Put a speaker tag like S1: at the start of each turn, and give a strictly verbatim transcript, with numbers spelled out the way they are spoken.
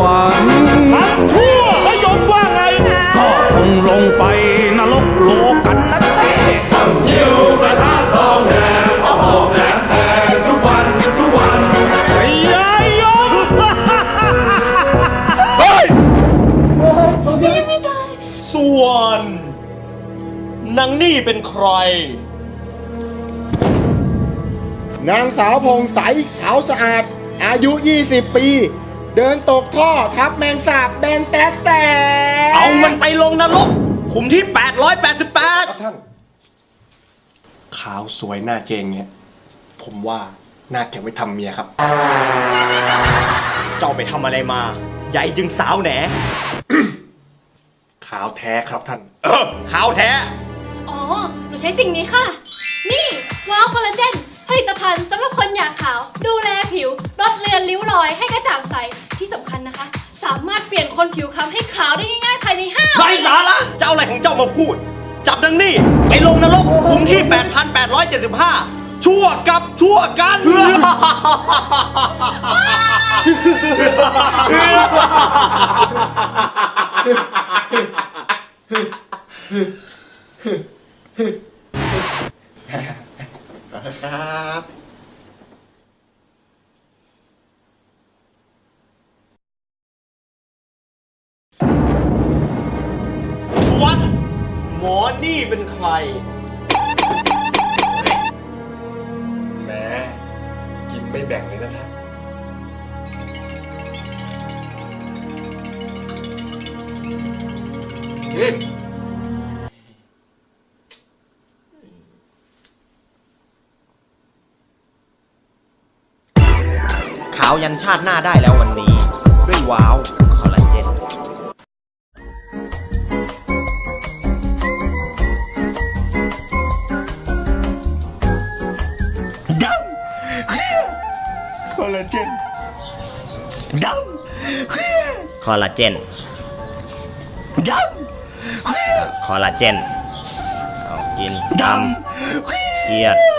S1: รรค์ทำชั่วไม่ยอมว่าไงก็คงลงไปนรกโลกันนะเต้หิวกระทะทองแดงเอาหอกแหลมแทงทุกวันทุกวันไอ้ยายยมเฮ้ยส่วนนางนี่เป็นใคร
S2: นางสาวพงใสขาวสะอาดอายุยี่สิบปี เดินตกท่อทับแมงสาบแบนแต๊ะแต่
S1: เอามันไปลงนรกขุมที่แปดร้อยแปดสิบแปด
S3: ครับท่านขาวสวยหน้าเกงเนี่ยผมว่าน่าเก็บไว้ทำเมียครับ
S1: เจ้าไปทำอะไรมาใหญ่จึงสาวแหน
S3: ขาวแท้ครับท่าน
S1: เออขาวแท้
S4: อ๋อ หนูใช้สิ่งนี้ค่ะ นี่ว้าวคอลลาเจนผลิตภัณฑ์สำหรับคนอยากขาว ดูแลผิว ลดเลือนริ้วรอยให้กระจ่างใส ที่สำคัญนะคะ สามารถเปลี่ยนคนผิวคล้ำให้ขาวได้ง่ายๆภายในห้า
S1: ไร้สาระเจ้าอะไรของเจ้ามาพูด จับนางนี่ไปลงนรกขุมที่ แปดพันแปดร้อยเจ็ดสิบห้า ชั่วกับชั่วกัน
S2: ครับ
S1: วันหมอนี่เป็นใคร
S3: แหมกินไม่แบ่งเลยนะท่าน
S5: ขาวยันชาติหน้าได้แล้ววันนี้ ด้วยว้าวคอลลาเจน
S1: ดำเคลียร์คอลลาเจนดำเคลียร์
S5: คอลลาเจน
S1: ดำเคลียร์
S5: คอลลาเจนเอากินดำเครียด